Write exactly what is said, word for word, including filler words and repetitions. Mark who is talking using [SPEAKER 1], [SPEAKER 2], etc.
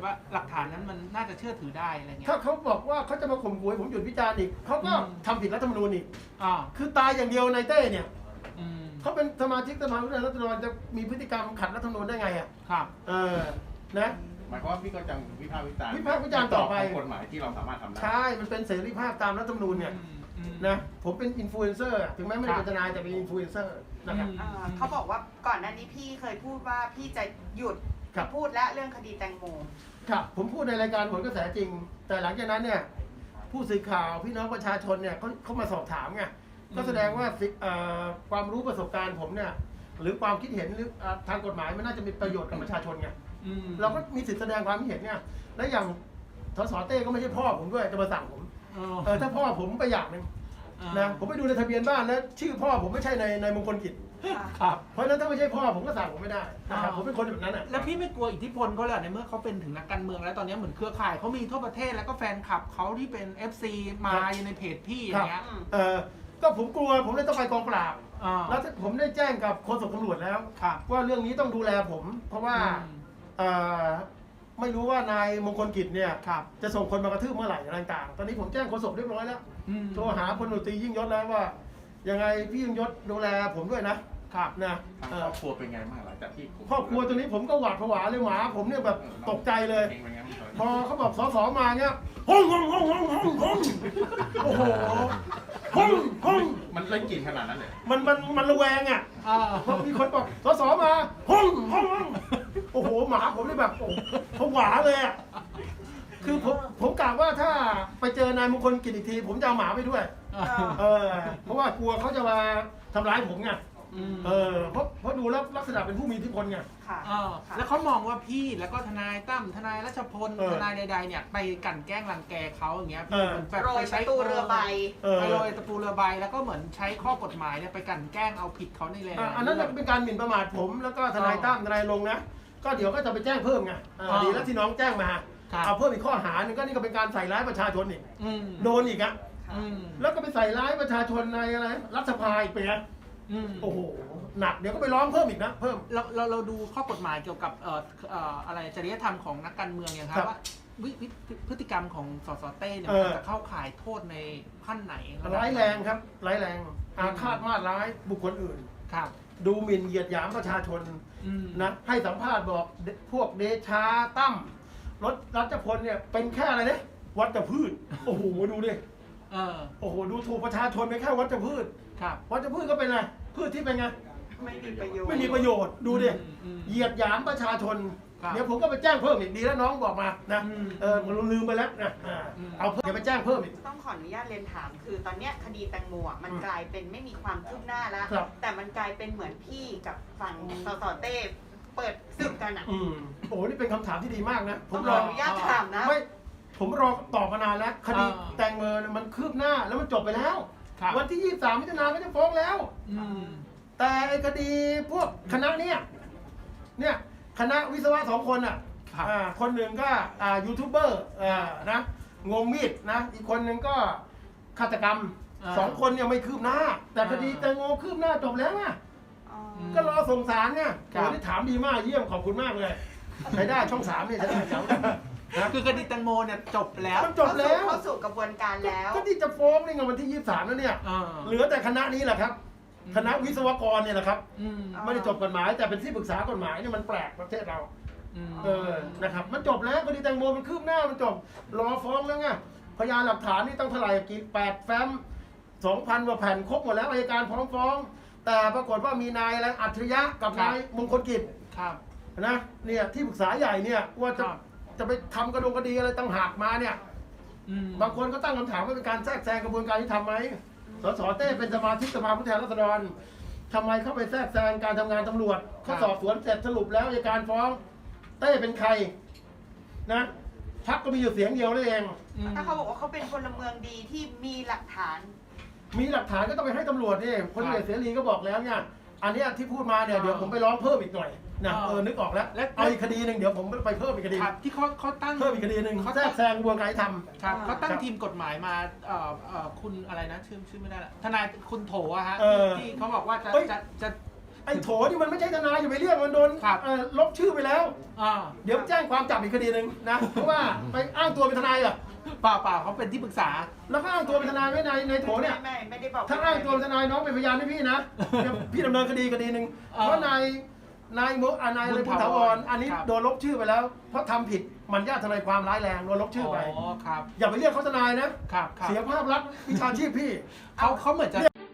[SPEAKER 1] ว่าหลักฐานนั้นมันน่าจะเชื่อถือได้อะไรเงี้ย
[SPEAKER 2] ถ้าเขาบอกว่าเขาจะมาข่มขู่ผมหยุดวิจารณ์อีกเขาก็ทำผิดรัฐธรรมนูญอีก
[SPEAKER 1] อ่า
[SPEAKER 2] คือตายอย่างเดียวนายเต้เนี่ย
[SPEAKER 1] อืม
[SPEAKER 2] เขาเป็นสมาชิกสภาผู้แทนราษฎรจะมีพฤติกรรมขัดรัฐธรรมนูญได้ไงอ่ะ
[SPEAKER 1] ครับ
[SPEAKER 2] เออนะ
[SPEAKER 3] หมายความว่าพี่ก็จะวิพากษ์วิจารณ์
[SPEAKER 2] วิพากษ์วิจารณ์ต่อไป
[SPEAKER 3] กฎหมายที่เราสามารถทำได้
[SPEAKER 2] ใช่มันเป็นเสรีภาพตามรัฐธรรมนูญเนี่ยนะผมเป็นอินฟลูเอนเซอร์ถึงแม้ไม่ได้เป็นทนายแต่เป็นอินฟลูเอนเซอร์นะครับ
[SPEAKER 4] เขาบอกว่าก่อนหน้านี้พี่เคยพูดว่าพี่จะหยุดพูดและเรื่องคดีแตงโม
[SPEAKER 2] ครับผมพูดในรายการผลกระแสจริงแต่หลังจากนั้นเนี่ยผู้สื่อข่าวพี่น้องประชาชนเนี่ยเขาเขามาสอบถามไงก็แสดงว่าความรู้ประสบการณ์ผมเนี่ยหรือความคิดเห็นหรือทางกฎหมายมันน่าจะมีประโยชน์กับประชาชนไงเราก็มีสิทธิแสดงความคิดเห็นเนี่ยและอย่างสสเต้ก็ไม่ใช่พ่อผมด้วยจะมาสั่งผมเออถ้าพ่อผมไปอย่างหนึ่งนะผมไปดูในทะเบียนบ้านแล้วชื่อพ่อผมไม่ใช่ในในมงคลกิจ
[SPEAKER 1] ครับ
[SPEAKER 2] เพราะฉะนั้นถ้าไม่ใช่พ่อผมก็สั่งผมไม่ได้นะครับผมเป็นคนแบบนั้นอ่ะ
[SPEAKER 1] แล้วพี่ไม่กลัวอิทธิพลเขาเหรอในเมื่อเขาเป็นถึงนักการเมืองแล้วตอนนี้เหมือนเครือข่ายเขามีทั่วประเทศแล้วก็แฟนคลับเขาที่เป็น เอฟ ซี มาอยู่ในเพจพี่อย่างเงี้ย
[SPEAKER 2] เออก็ผมกลัวผมเลยต้องไปกองปราบแล้วผมได้แจ้งกับโฆษกตำรวจแล้วว่าเรื่องนี้ต้องดูแลผมเพราะว่าไม่รู้ว่านายมงคลกิจเนี่ยจะส่งคนมากระทืบเมื่อไหร่ต่างๆตอนนี้ผมแจ้งโฆษกเรียบร้อยแล้วโทรหาพลตรียิ่งยศแล้วว่ายังไงพี่ยิ่งยศดูแลผมด้วยนะครับนะ
[SPEAKER 3] ครอบครัวเป็นไงบ้างหลังจากที่
[SPEAKER 2] ครอบครัวตรงนี้ผมก็หวาดผวาเลยหมาผมเนี่ยแบบตกใจเลยพอเขาบอกสสมาเนี่ยห้องห้องห้องห้องห้องห้องโอ้โหห้องห้อง
[SPEAKER 3] มันเล่นกลิ่นขนาดนั้นเลย
[SPEAKER 2] มันมันมันระแวงอ่ะพอมีคนบอกสสมาห้องห้องห้องโอ้โหหมาผมเลยแบบผวาเลยอ่ะคือผมผมกะว่าถ้าไปเจอนายมงคลกิจอีกทีผมจะเอาหมาไปด้วยเออเพราะว่ากลัวเขาจะมาทำร้ายผมไงเออเพราะเพราะดูแล้วลักษณะเป็นผู้มีอิทธิพลไง
[SPEAKER 1] แล้วเขามองว่าพี่แล้วก็ทนายตั้มทนายรัชพลทนายใดๆเนี่ยไปกั่นแกล้งรังแกเขาอย่างเงี้ย
[SPEAKER 4] แบบไปใช้ตูเรือใบ
[SPEAKER 1] ไปโรยตะปูเรือใบแล้วก็เหมือนใช้ข้อกฎหมายเนี่ยไปกั่นแกล้งเอาผิดเขาในเลย
[SPEAKER 2] อันนั้นเป็นการหมิ่นประมาทผมแล้วก็ทนายตั้มทนายลงนะก็เดี๋ยวก็จะไปแจ้งเพิ่มไงดีแล้วที่น้องแจ้งมาเอาเพิ่มอีกข้อหาหนึ่งก็นี่ก็เป็นการใส่ร้ายประชาชนอีกโดนอีกอ่ะแล้วก็ไปใส่ร้ายประชาชนในอะไรรัฐสภาอีกไปนะโอ้โหหนักเดี๋ยวก็ไปร้องเพิ่มอีกนะเพิ่ม
[SPEAKER 1] เราเราเราดูข้อกฎหมายเกี่ยวกับเอ่อเอ่ออะไรจริยธรรมของนักการเมืองอย่างครับว่าวิพฤติกรรมของสสเต้เนี่ยมันจะเข้าข่ายโทษในขั้นไหน
[SPEAKER 2] ร้ายแรงครับร้ายแรงอาฆาตมาตร้ายบุคคลอื่น
[SPEAKER 1] ครับ
[SPEAKER 2] ดูหมิ่นเหยียดหยามประชาชนนะให้สัมภาษณ์บอกพวกเดชาตั้มรถรัชพลเนี่ยเป็นแค่อะไรเนี่ยวัชพืชโอ้โหดูดิโอ้โหดูถูกประชาชนเป็นแค่วัชพืชวัชพืชก็เป็นอะไรพืชที่เป็นไง
[SPEAKER 4] ไม่มีประโยชน์
[SPEAKER 2] ไม่มีประโยชน์ดูดิเหยียดหยามประชาชนเดี๋ยวผมก็ไปแจ้งเพิ่มอีกดีแล้วน้องบอกมานะเออผมลืมไปแล้วนะเอาเพิ่มเดี๋ยวไปแจ้งเพิ่มอีก
[SPEAKER 4] ต้องขออนุญาตเรียนถามคือตอนนี้คดีแตงโมมันกลายเป็นไม่มีความคืบหน้าแล้วแต่มันกลายเป็นเหมือนพี่กับฝั่งสสเต้เปิดศึกกันอ่ะ
[SPEAKER 2] อืมโอ้นี่เป็นคำถามที่ดีมากนะ
[SPEAKER 4] ผมรออนุญาตถามนะ
[SPEAKER 2] ไม่ผมรอตอบมานานแล้วคดีแตงโมมันคืบหน้าแล้วมันจบไปแล้ววันที่ยี่สิบสามมิถุนายนก็จะฟ้องแล้วแต่ไอ้คดีพวกคณะเนี้ยเนี่ยคณะวิศวะสองคนอ่ะคนหนึ่งก็ยูทูบเบอร์นะงงมีดนะอีกคนหนึ่งก็ฆาตกรรมสองคนยังไม่คืบหน้าแต่คดีแตงโมคืบหน้าจบแล้วอ่ะก็รอส่งศาลเนี่ยโอ้ที่ถามดีมากเยี่ยมขอบคุณมากเลยใช้ได้ช่องสามเนี่ยใช้ได้จัง
[SPEAKER 1] คือคดีแตงโมเนี่ยจบแล้ว
[SPEAKER 2] มันจบแล้ว
[SPEAKER 4] เข้าสู่กระบวนการแล้ว
[SPEAKER 2] ก็ที่จะฟ้องในวันที่ยี่สิบสามแล้วเนี่ยเหลือแต่คณะนี้แหละครับคณะวิศวกรเนี่ยแหละครับไม่ได้จบกฎหมายแต่เป็นที่ปรึกษากฎหมายเนี่ยมันแปลกประเทศเราเออนะครับมันจบแล้วคดีแตงโมมันคืบหน้ามันจบรอฟ้องแล้วไงพยานหลักฐานนี่ต้องเท่าไหร่กี่แปดแฟ้มสองพันกว่าแผ่นครบหมดแล้วอัยการพร้อมฟ้องแต่ปรากฏว่ามีนายอะไรอัจฉริยะกับนายมงคลกิจนะเนี่ยที่ปรึกษาใหญ่เนี่ยว่าจะจะไปทำกระดงคดีอะไรตั้งหากมาเนี่ยบางคนก็ตั้งคำถามว่าเป็นการแทรกแซงกระบวนการที่ทำไหมสสเต้เป็นสมาชิกสภาผู้แทนราษฎรทำไมเข้าไปแทรกแซงการทำงานตำรวจเขาสอบสวนเสร็จสรุปแล้วอัยการฟ้องเต้เป็นใครนะพรรคก็มีอยู่เสียงเดียวนั่นเอง
[SPEAKER 4] ถ้าเขาบอกว่าเขาเป็นพลเมืองดีที่มีหลักฐาน
[SPEAKER 2] มีหลักฐานก็ต้องไปให้ตำรวจนี่พลเอกเสรีก็บอกแล้วเนี่ยอันนี้ที่พูดมาเนี่ยเดี๋ยวผมไปร้องเพิ่มอีกหน่อยนะเออนึกออกแล้วเอาอีกคดีหนึ่งเดี๋ยวผมไปเพิ่มอีกคดี
[SPEAKER 1] ที่เขาเขาตั้ง
[SPEAKER 2] เพิ่มอีกคดีหนึ่งเขาแทรกแซงกระบวนการทำ
[SPEAKER 1] ครับเขาตั้งทีมกฎหมายมาเอ่อเอ่อคุณอะไรนะชื่อชื่อไม่ได้ละทนายคุณโถอะฮะที่เขาบอกว่าจะจะจะ
[SPEAKER 2] ไอ้โถนี่มันไม่ใช่ทนายอย่าไปเรียกมันโดน
[SPEAKER 1] ครับ
[SPEAKER 2] เอ่อลบชื่อไปแล้ว
[SPEAKER 1] อ่า
[SPEAKER 2] เดี๋ยวแจ้งความจับอีกคดีหนึ่งนะ เพราะว่าไปอ้างตัวเป็นทนายเหรอ
[SPEAKER 1] เปล่าเปล่าเขาเป็นที่ปรึกษา
[SPEAKER 2] แล้วก็อ้างตัวเป็นทนายไว้ในในโถเนี่ย
[SPEAKER 4] ไม่ไม่ไม่ได้บอก
[SPEAKER 2] ถ้าอ้างตัวเป็นทนายน้องเป็นพยานให้พี่นะเดี๋ยวพี่ดำเนินคดีคดีหนึ่ง
[SPEAKER 1] อ่า
[SPEAKER 2] เพราะนายนายโมอ่านายเลย
[SPEAKER 1] บุ
[SPEAKER 2] บุ
[SPEAKER 1] ญ
[SPEAKER 2] ญ
[SPEAKER 1] ถา
[SPEAKER 2] ถาว ว
[SPEAKER 1] ร
[SPEAKER 2] รอันนี้
[SPEAKER 1] ครับ
[SPEAKER 2] โดนลบชื่อไปแล้ว เพราะทำผิดมันญาติทนายความร้ายแรงโดนลบชื่อไป
[SPEAKER 1] อ๋อครับ
[SPEAKER 2] อย่าไปเรียกเขาทนายนะ
[SPEAKER 1] ครับครับ
[SPEAKER 2] เสียภาพลักษณ์วิชาชีพพี่
[SPEAKER 1] เขาเขาเหมือนจะ